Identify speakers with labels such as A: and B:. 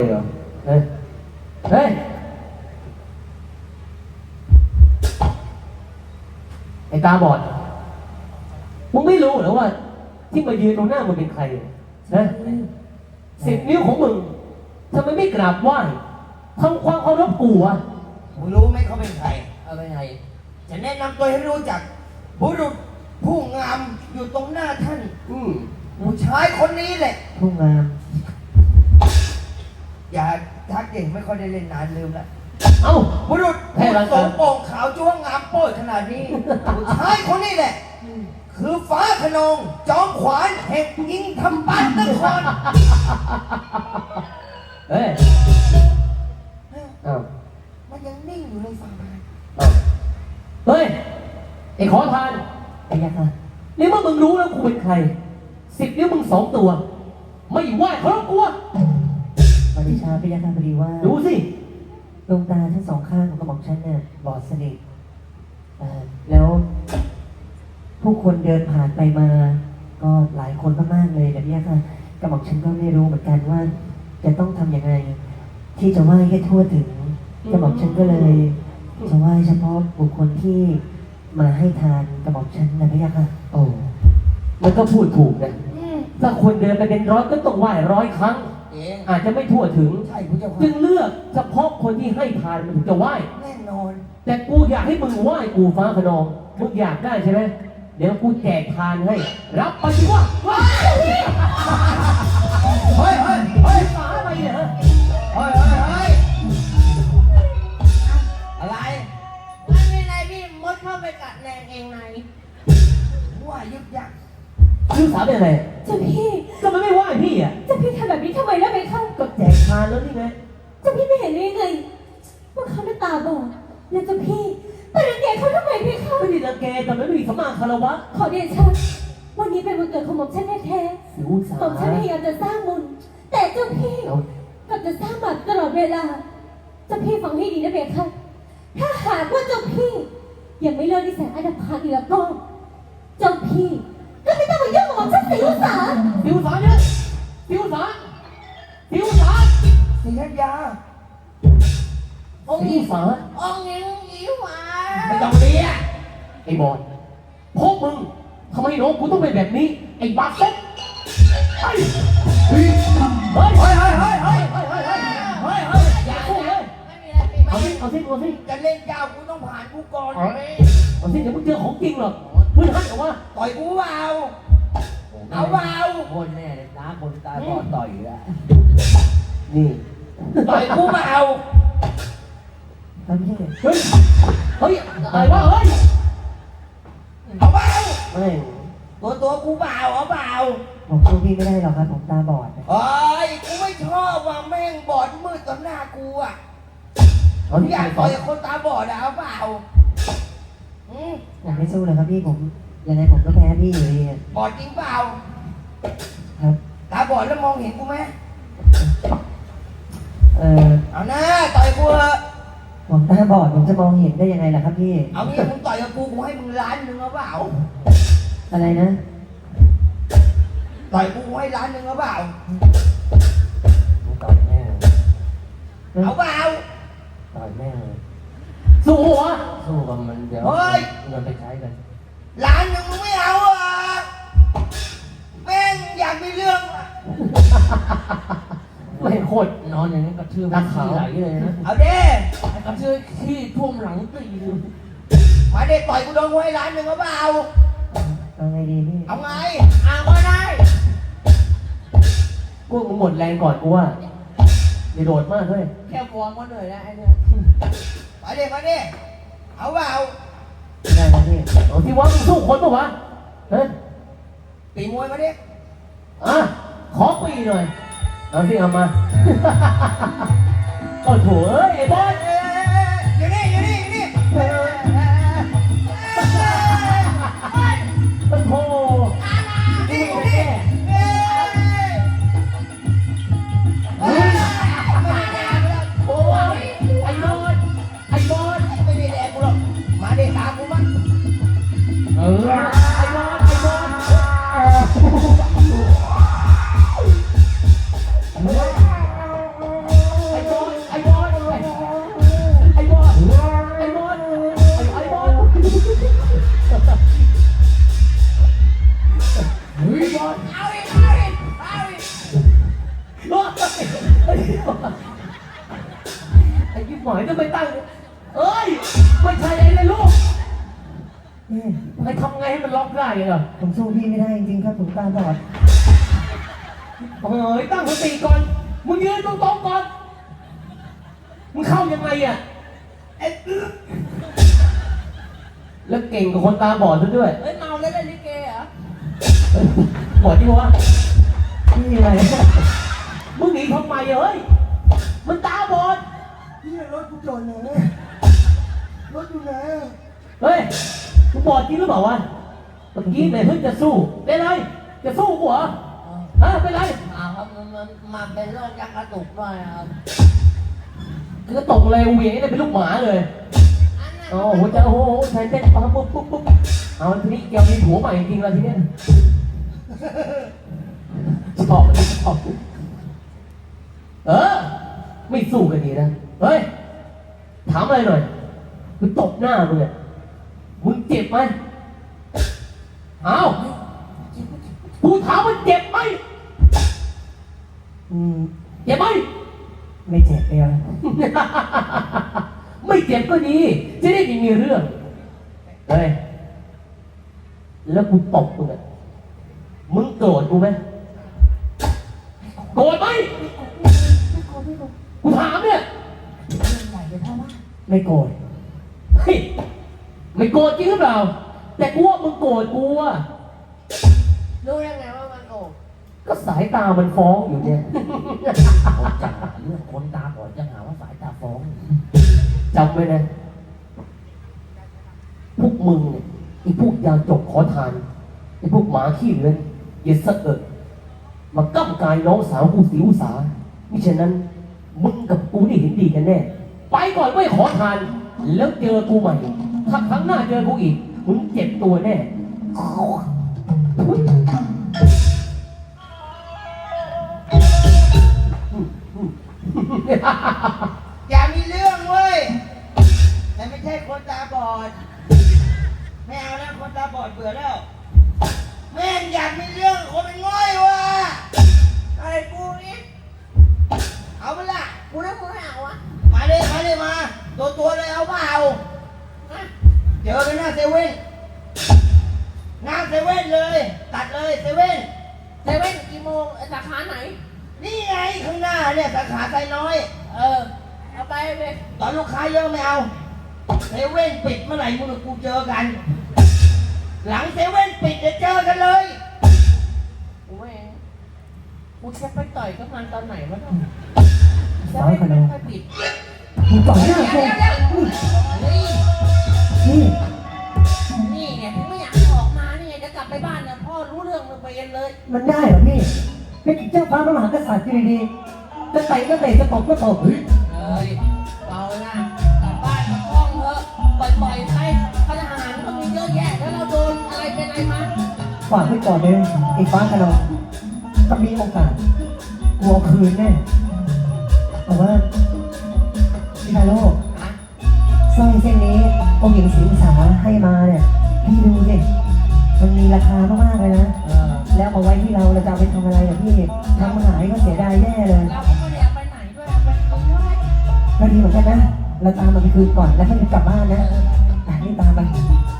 A: เหรอเฮ้ยเฮ้ยไอ้ตาบอดมึงไม่รู้เหรอว่าที่มายืนตรงหน้ามึงเป็นใครนะ10 นิ้วของมึงทำไมไม่กราบไหว้ทำความเคารพกูอ่ะ
B: มึงรู้ไหมเขาเป็นใคร
A: เอาเป็นไง
B: จะแนะนำตัวให้รู้จักบุรุษผู้งามอยู่ตรงหน้าท่านผู้ชายคนนี้แหละ
A: ผู้งาม
B: อย่าทักเก่งไม่ค่อยได้เล่นนานลืมแล้ว
A: เอ้า
B: บุรุษผู้สมโป่งขาวจ้วงงามโป้ยขนาดนี้ผู้ชายคนนี้แหละคือฟ้าขนองจอมขวานแห่งยิงทำบ้านนคร
A: เฮ้ยเอ้า
B: มันยังนิ่งอยู่ในฝั่ง
A: เฮ้ยไอ้ขอทานไอ้ยักษ์นะนี่เมื่อมึงรู้แล้วกูเป็นใคร10 นิ้วมึง2 ตัวไม่ไหวเคารพกู
C: ปฏิชาพยัคฆ์พอดีว่า
A: ดูสิ
C: ดวงตาทั้ง2 ข้างของกระหม่อมฉันเนี่ยบอดสนิทแล้วผู้คนเดินผ่านไปมาก็หลายคนมากๆเลยแต่พยัคฆ์กระหม่อมฉันก็ไม่รู้เหมือนกันว่าจะต้องทำยังไงที่จะไหว้ให้ทั่วถึงกระหม่อมฉันก็เลยจะไหว้เฉพาะบุคคลที่มาให้ทานกระหม่อมฉันนะพยัคฆ์
A: โอ้มันก็พูดถูกนะถ้าคนเดินไปเป็นร้อยก็ต้องไหว้100 ครั้งอาจจะไม่ทั่วถึงจึงเลือกเฉพาะคนที่ให้ทานมันถึงจะไหว้
B: แน่นอน
A: แต่กูอยากให้มึงไหว้กูฟ้าขนองมึงอยากได้ใช่ไหมเดี๋ยวกูแจกทานให้รับไปสิวะว้าว
B: เฮ้ยเฮ้ยเฮ้ย
A: ฟ้าไปเนี่ย
B: เฮ้ยเฮ้ยเฮ้ยอะไร
D: มันมีอะไรพี่มดเข้าไปกัดแรงเองไหน
B: ว่ายึกยัก
A: ลูกสาวเป็นอะไร
D: เจ้าพี่
A: ก็มันไม่ไหว้พี่อ่ะ
D: เจ้าพี่ทำแบบนี้ทำไมแล้วไปเข้า
A: ก็แจกทานแล้วนี่ไง
D: เจ้าพี่ไม่เห็นได้ไงว่าเขาตาบอดแล้วเจ้าพี่แต่รังแกเขาทำไมพี่เข้า
A: ไม่ได้รังแกแต่ไม่มีสมาคารวะ
D: ขอเดชะวันนี้เป็นวันเกิดของหม่อมฉันแท้ๆหม่อมฉันพยายามจะสร้างบุญแต่เจ้าพี่กลับจะสร้างบาปตลอดเวลาเจ้าพี่ฟังให้ดีนะเบค่ะถ้าหากว่าเจ้าพี่ยังไม่เลิกนิสัยอันดับพันอีกแล้วก็เจ้าพี่ก็ไม่ต้องมายุ่งกับหม่อมฉันสิวสา
A: เนี่ยสิวสา
B: ศรีธัญญา
A: องค์หญิง
D: หวา
A: ไม่ต้องเรียกไอ้บอลพวกมึงทำไมน้องกูต้องเป็นแบบนี้ไอ้บาสเซ็ตเฮ้ยเฮ้ยเฮ้ยเฮ้ยเฮ้ยเฮ้ยเฮ้ยเฮ้ยเฮ้ยเฮ้ยเฮ้ยอย่าสู้เลยเอาสิ
B: จะเล่นเจ้ากูต้องผ่านกูก่อน
A: เอาสิเดี๋ยวมึงเจอของจริงหรอกมึงหันออกมา
B: ต่อยกูเปล่าเอาเปล่า
A: คนแน่เลยน้าคนตาบอดต่อยอยู่แล้วนี่
B: ต่อยกูเปล่า
A: เฮ้ยเฮ้ยอะไรวะเฮ้ย
B: เอาเปล่า
A: ไม่
B: ตัวกูเปล่าเอาเปล่า
C: ผมสู้พี่ไม่ได้หรอกครับผมตาบอด
B: เฮ้ยกูไม่ชอบว่าแม่งบอดมืดต่อหน้ากูอ่ะอยากต่อยคนตาบอดเอาเปล่า
C: อยากไม่สู้เลยครับพี่ผมยังไงผมก็แพ้พี่อยู่ดี
B: บอดจริงเปล่า
C: ครับ
B: ตาบอดแล้วมองเห็นกูไหมเอาหน้าต่อยกู
C: ผมตาบอดผมจะมองเห็นได้ยังไงล่ะครับพี่
B: เอางี้มึงต่อยกับกูให้มึง1,000,000เอาเปล่า
C: อะไรนะ
B: ต่อยกูให้1,000,000เอาเปล่า
A: ต่อยแม่
B: เอาเปล่า
A: ต่อยแม่สู้วะสู้กับมันเดี๋ยวเงินไปใช้กัน
B: 1,000,000มึงไม่เอาอ่ะแม่งอยากมีเรื่อง
A: ไม่โคตรนอนอย่างนี้กระชื่อมันขี้ไหลเลยนะ
B: เอาเด้
A: กระชื่อขี้ท่วมหลังตี
B: มาเด้ต่อยกูโดนไว้1,000,000เอาเปล่า
C: เอาไงดีพี่
B: เอาไงเอาก็ได้
A: กูมึงหมดแรงก่อนกูว่าอย่าโดดมากเลย
D: แค่ฟองก็เหนื่อยแล้วไอ้เนี่ย
B: มาเด้เอาเปล่า
C: ได้ครับพี่
A: เอาที่ว่ามึงสู้คนปะวะเฮ้ย
B: ตีมวยมาเด้
A: ขอปีหน่อยเอาสิเอามาโอ้โหไอ้บอล
B: อยู่นี่
A: โอ้โห
B: นี่
A: โอ้ยไอ้บอล
B: ไม่ได้แดกกูหรอกมาเด้ตามกูมั้ง
A: ไอ้บอลหมายจะไปตั้งเอ้ยไม่ใช่ไอ้เลยลูก
C: พี่
A: ให้ทำไงให้มันล็อกได้เหรอ
C: ผมสู้พี่ไม่ได้จริงๆครับผมตาบอด
A: เฮ้ยตั้งสติก่อนมึงยืนตรงๆก่อนมึงเข้ายังไงอ่ะเอ๊ะแล้วเก่งกับคนตาบอดซะด้วย
E: เฮ้ยเมาแล้วเล่นลิเกเหรอ
A: บอดจริงวะ
C: พี่อะไร
A: มึงหนีทำไมเฮ้ยมันตาบอด
B: พี่รถกูจอดไหนรถอยู่ไหน
A: เฮ้ยมึงบอดจริงหรือเปล่าวะเมื่อกี้ไหนเพิ่งจะสู้เป็นไรจะสู้กูเหรอฮะเป็นไร
E: ครับมันมาเป็นโรคยักษ์กระตุกด้วยครับ
A: คือกระตกเลยเหวี่ยงเนี่ยเป็นลูกหมาเลย
E: อันนั้น
A: โอ้โหจะโอ้โหใช้เต้นปั๊บปุ๊บปุ๊บปุ๊บเอาทีนี้เกี่ยวมีผัวใหม่จริงๆแล้วทีเนี้ยชอบชอบไม่สู้กันดีนะเฮ้ยถามอะไรหน่อยกูตบหน้ามึงเนี่ยมึงเจ็บไหมเอากูถามว่าเจ็บไหม
C: อืม
A: เจ็บไหม
C: ไม่เจ็บเลยอะ
A: ไม่เจ็บก็ดี จะได้ไม่มีเรื่อง เฮ้ย แล้วกูตบมึงอ่ะ มึงโกรธกูไหมโกรธไหมกูถามเนี่ย
C: ไม่โกรธ
A: เฮ้ย ไม่โกรธจริงหรือเปล่า แต่กูว่ามึงโกรธกูอ่ะ
E: รู้ยังไงว่ามันโอ้
A: ก็สายตามันฟ้องอยู่เนี่ย
E: เขาจะหาเรื่องคนตาบอดจะหาว่าสายตาฟ้อง
A: จำไว้นะ พวกมึงเนี่ยไอ้พวกยาจกขอทานไอ้พวกหมาขี้เลื้อนอย่าสะเอิดมาก้ำกายน้องสาวกูสิวสามิฉะนั้น มึงกับกูนี่เห็นดีกันแน่ ไปก่อนไม่ขอทาน แล้วเจอกูใหม่ ถ้าครั้งหน้าเจอกูอีก มึงเจ็บตัวแน่
B: อย่ามีเรื่องเว้ยแต่ไม่ใช่คนตาบอดไม่เอาแล้วคนตาบอดเบื่อแล้วแม่งอยากมีเรื่องคนเป็นง่อยว่ะไอ้กูนี่เอาไปละ
E: กูแล้วมึงไม่เอาวะ
B: มาเลยมาตัวเลยเอาเปล่าเจอกันหน้าเซเว่นหน้าเซเว่นเลยตัดเลยเซเว่น
E: เซเว่นกี่โมงสาขาไหน
B: นี่ไงข้างหน้าเนี่ยสาขาไซน้อย
E: เอาไปเลย
B: ตอนลูกค้าเยอะไม่เอาเซเว่นปิดเมื่อไหร่มึงกับกูเจอกัน หลังเซเว่นปิดจะเจอกันเลย
E: กูเองกูจะไปต่อยกับมันตอนไหนวะเนี่ยเซ
C: สาว
E: เว่น
C: ขน
E: ไม่
C: ม
E: ค่อยปิด
C: มึงต่อยหน้ากู
E: นี่
C: นี่
E: นี่ไงถึงไม่อยากให้ออกมานี่ไงจะกลับไปบ้านเนี่ยพ่อรู้เรื่องมึงไปเองเลย
C: มันได้เหรอพี่เป็นเจ้าฟ้ามหากษัตริย์อยู่ดีๆจะเตะก็เตะจะตบก็ตบเฮ้ย
E: เฮ้ยเบานะกลับบ้านกลับห้องเถอะปล่อยๆไปทหารมันมีเยอะแยะแล้วเราโดนอะไรเป็นอะไรมา
C: ฝากไว้ก่อนเลยไอ้ฟ้าขนองถ้ามีโอกาสกลัวคืนแน่แต่ว่าพี่ไทโร่สร้อยเส้นนี้องค์หญิงสิงสาให้มาเนี่ยพี่ดูสิมันมีราคามากๆเลยนะแล้วเอาไว้ที่เราจะเอาไปทำอะไรอ่ะพี่ทำหายก็เสียดายแย่เลย
E: เราก็ไม่ได้เอาไปไหนด้วยเอาไปตรงนี้ไว้
C: ก็ดีเหมือนกันนะเราตามมันไปคืนก่อนแล้วค่อยกลับบ้านนะอ่ะนี่ตามไป
E: เ